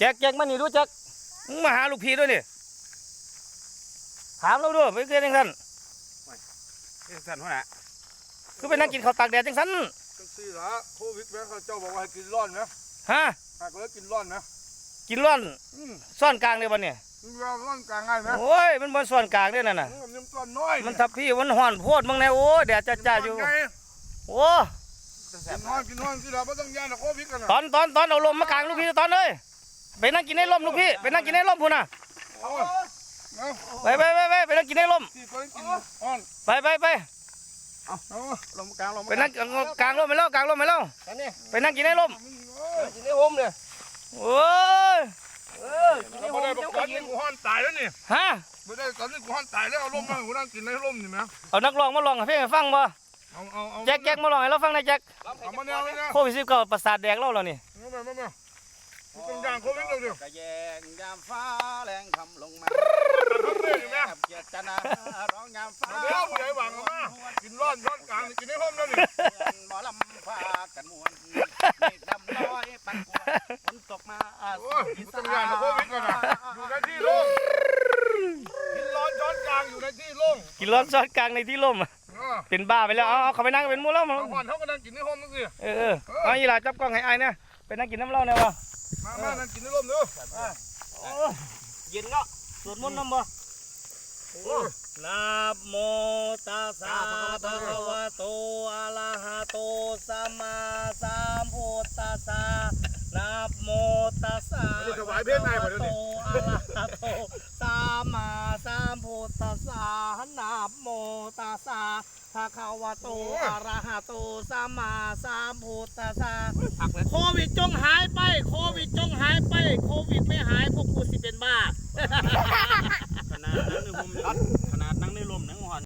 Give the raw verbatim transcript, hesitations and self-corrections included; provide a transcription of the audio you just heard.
จ็คแจ็คมานี่ดูแจ็คมึงมาหาลูกพี่ด้วยนี่ถามเราด้วยไปเกินจังสันเอ้สันหัวหน้าคือไปนั่งกินข้าวตากแดดจังสันจังซี่ละโควิดแม่เขาเจ้าบอกว่าให้กินร้อนนะฮะหากเลยกินร้อนนะกินร้อนอืมซ่อนกลางเลยวันนี้มันว่าร้อนกลางง่ายไหมโอ้ยมันบนซ่อนกลางด้วยนั่นน่ะมันยังต้นน้อยมันทับพี่มันห่อนโพดมึงแน่โอ้ยแดดจ้าๆอยู่ไงโอ้กินร้อนกินร้อนที่เราไม่ต้องย่านโควิดกันนะตอนตอนตอนเอาลมมากลางลูกพี่ตอนเลยไปนั่งกินในร่มลูกพี่ไปนั่งกินในร่มพูน่ะเอาเอาไปไปไปไปไปนั่งกินในร่มที่ตัวกินร้อนไปไปไปเอาลงกลางลงไปนั่งกลางร่มไปแล้วกลางร่มไปแล้วอันนี้ไปนั่งกินในร่มกินได้โฮมเลยโอ้ยเออกินได้โฮไม่มได้บอเจ้ากตก็อนยินี้นกูห้อนตายแล้วนี่ฮะไม่ได้ตอนนี้กูห้อนตายแล้วเอาร่มมากูนั่งกินในร่มนี่ไหมเอานักร้องมาลองให้เพลงให้ฟังบ่เอาเอาเอาแจ็คแจ็คมาลองให้เราฟังหนะแจ็คเอามาแนวเลยนะโควิดสิบเก้าประสาทแดกเราแล้วนี่มามามามาต้องย่างโควิดเราเดียวกระแยงยามฟ้าแรงคำลงมาเรื่องอยู่ไหมเกียรติจนาร้องยามฟ้าเดี๋ยวผู้ใหญ่หวังมากินร้อนร้อนกลางกินในร่มแล้วนี่หมอลำพากันมวนเมฆดำน้อยปันกวนฝนตกมาโอ้ยกูต้องย่างโควิดก่อนนะอยู่ในที่โล่งกินร้อนช้อนกลางอยู่ในที่โล่งกินร้อนซอสกลางในที่ร่มอ่าเป็นบ้าไปแล้วเอาเอาเขาไปนั่งเป็นหมูแล้วมาเอาก่อนเขาก็นั่งกินในร่มนั่นสิเออเออเอาอีหล่าจับกล้องให้ไอ้เนี่ยไปนั่งกินน้ำเหล้าเนี่ยวะมามานั่งกินในร่มเด้อเย็นเนาะสวดมนต์น้ำบ่นะโมตัสสะภะคะวะโตอะระหะโตสัมมาสัมพุทธัสสะนะโมตัสสะถวายเพลงไหนบ่เดี๋ยวนี้อะระหะโตสัมมาสัมพุทธัสสะนะโมตัสสะภะคะวะโตอะระหะโตสัมมาสัมพุทธัสสะโควิดจงหายไปโควิดจงหายไปโควิดไม่หายพวกกูสิเป็นบ้าขนาดนั้นในลมขนาดนั่งในลมนั่งหอน